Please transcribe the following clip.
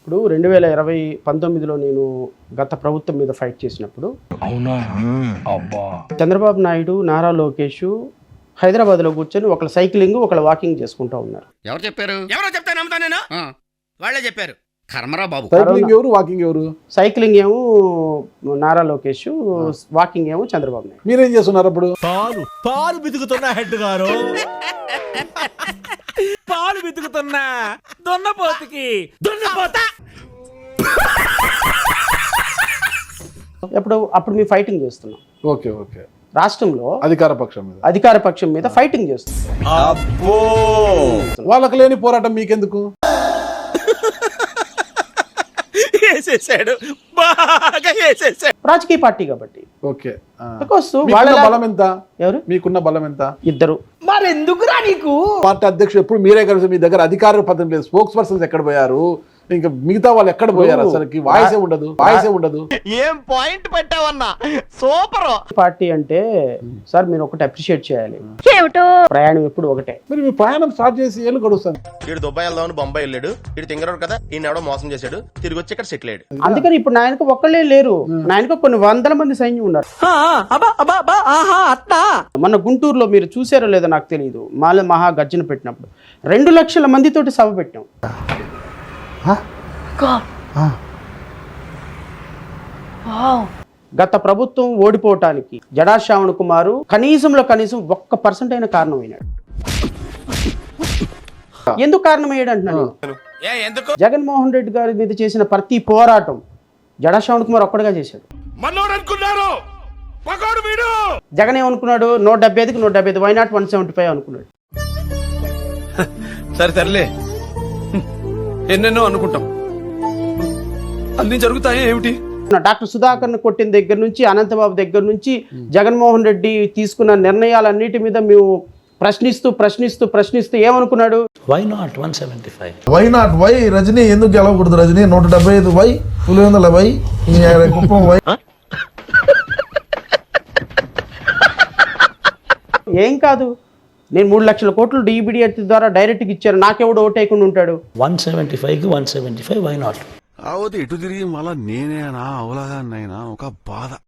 ఇప్పుడు 2019లో నేను గత ప్రభుత్వం మీద ఫైట్ చేసినప్పుడు అవునా అబ్బా చంద్రబాబు నాయుడు నారా లోకేష్ హైదరాబాద్లో కూర్చొని ఒకళ్ళు సైక్లింగ్ ఒకళ్ళు వాకింగ్ చేసుకుంటూ ఉన్నారు. ఎవరు చెప్పారు? ఎవరో చెప్తే నమ్ముతా నేను. వాళ్ళే చెప్పారు. కర్మరా బాబు. సైక్లింగ్ ఎవరు, వాకింగ్ ఎవరు? సైక్లింగ్ ఏమో నారా లోకేష్, వాకింగ్ ఏమో చంద్రబాబు నాయుడు. మీరేం చేస్తున్నారు అప్పుడు? పాలు బితుకుతున్నా హెడ్ గారు, పాలు బితుకుతున్నా దున్నపోతుకి దున్నపోత. అప్పుడు మేము ఫైటింగ్ చేస్తున్నాం. Okay okay. రాష్ట్రంలో అధికార పక్షం మీద ఫైటింగ్ చేస్తున్నాం. వాళ్ళకి లేని పోరాటం మీకెందుకు? వేసేసాడు, బాగా వేసేసాడు. రాజకీయ పార్టీ కాబట్టి. ఓకే. బలం ఎంత? ఎవరు? మీకున్న బలం ఎంత? ఇద్దరు. మరెందుకురా నీకు? పార్టీ అధ్యక్షుడు ఎప్పుడు మీరే కలిసి, మీ దగ్గర అధికార పదం లేదు. స్పోక్స్ పర్సన్స్ ఎక్కడ పోయారు? ఇంకా మిగతా వాళ్ళు ఎక్కడ పోయారు? అసలుకి వాయిసే ఉండదు. ఏం పాయింట్ పెట్టావన్నా, సూపర్. పార్టీ అంటే సార్ మీరు ఒకటి అప్రిషియేట్ చేయాలి. ప్రయాణం ఎప్పుడు ఒకటే. మరి మీ ప్రయాణం స్టార్ట్ చేసి ఏళ్ళు గడుస్తాను. వీడు దుబాయ్ వెళ్దామని బొంబాయి వెళ్ళాడు. వీడు తింగరాడు కదా, ఈయన ఎవడో మోసం చేశాడు, తిరిగి వచ్చి ఇక్కడ సెటిల్ అయ్యాడు. అందుకని ఇప్పుడు నాయనకు ఒక్కళ్ళే లేరు, నాయనకు కొన్ని వందల మంది సైన్యం ఉన్నారు. మన గుంటూరులో మీరు చూసారో లేదో నాకు తెలియదు, మహా గర్జన పెట్టినప్పుడు 2 లక్షల మందితోటి సభ పెట్టాం. గత ప్రభుత్వం ఓడిపోవటానికి జడా శ్రావణ్ కుమార్ కనీసం 1% అయిన కారణమైనాడు. ఎందుకు కారణమయ్యాడు అంటున్నాను. జగన్మోహన్ రెడ్డి గారి మీద చేసిన ప్రతి పోరాటం జడా శ్రావణ్ కుమార్ ఒక్కడిగా చేశాడు. జగన్ ఏమనుకున్నాడు? 175కి 175, వై నాట్ 175 అనుకున్నాడు. సరేలే, ఎన్నెన్నో అనుకుంటాం, అన్ని జరుగుతాయి ఏమిటి? డాక్టర్ సుధాకర్ను కొట్టిన దగ్గర నుంచి, అనంతబాబు దగ్గర నుంచి, జగన్మోహన్ రెడ్డి తీసుకున్న నిర్ణయాలన్నిటి మీద మేము ప్రశ్నిస్తూ ఏమనుకున్నాడు? Why not 175? Why not? Why Rajani ఎందుకు గెలవకూడదు? Rajani 175 why, Pulivendula why, Kuppam why. ఏం కాదు, నేను 3 లక్షల కోట్లు DBD ద్వారా డైరెక్ట్గా ఇచ్చాను, నాకెవడు ఓటేయకుండా ఉంటాడు? 175కి 175 వై నాట్? అవతి ఇటు తిరిగి మళ్ళా నేనేనా అవలాగా ఒక బాధ.